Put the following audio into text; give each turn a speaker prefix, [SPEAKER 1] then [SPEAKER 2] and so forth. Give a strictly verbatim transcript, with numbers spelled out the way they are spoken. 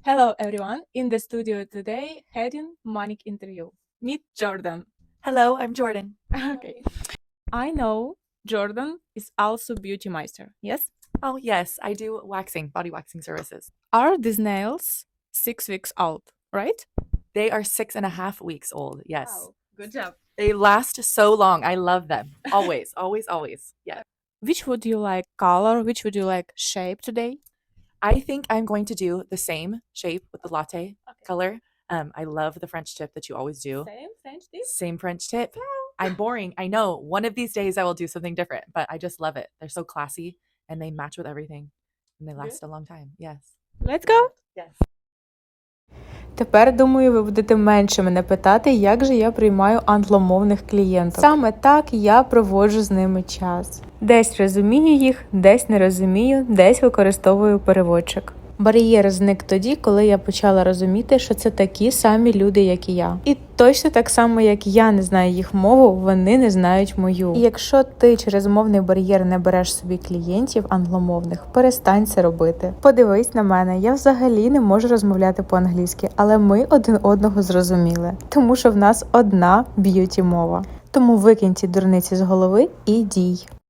[SPEAKER 1] Hello everyone, in the studio today, heading Manic interview. Meet Jordan.
[SPEAKER 2] Hello, I'm Jordan.
[SPEAKER 1] Okay. I know Jordan is also beauty meister, yes?
[SPEAKER 2] Oh, yes, I do waxing, body waxing services.
[SPEAKER 1] Are these nails six weeks old, right?
[SPEAKER 2] They are six and a half weeks old. Yes.
[SPEAKER 1] Wow, good job.
[SPEAKER 2] They last so long. I love them. Always, always, always. Yeah.
[SPEAKER 1] Which would you like color? Which would you like shape today?
[SPEAKER 2] I think I'm going to do the same shape with the latte color. Um, I love the French tip that you always do.
[SPEAKER 1] Same French tip?
[SPEAKER 2] Same French tip. I'm boring. I know. One of these days I will do something different, but I just love it. They're so classy and they match with everything and they last a long time. Yes.
[SPEAKER 1] Let's go!
[SPEAKER 2] Yes.
[SPEAKER 3] Тепер, думаю, ви будете менше мене питати, як же я приймаю англомовних клієнтів. Саме так я проводжу з ними час. Десь розумію їх, десь не розумію, десь використовую переводчик. Бар'єр зник тоді, коли я почала розуміти, що це такі самі люди, як і я. І точно так само, як я не знаю їх мову, вони не знають мою. І якщо ти через мовний бар'єр не береш собі клієнтів англомовних, перестань це робити. Подивись на мене, я взагалі не можу розмовляти по-англійськи, але ми один одного зрозуміли. Тому що в нас одна б'юті-мова. Тому викинь ці дурниці з голови і дій.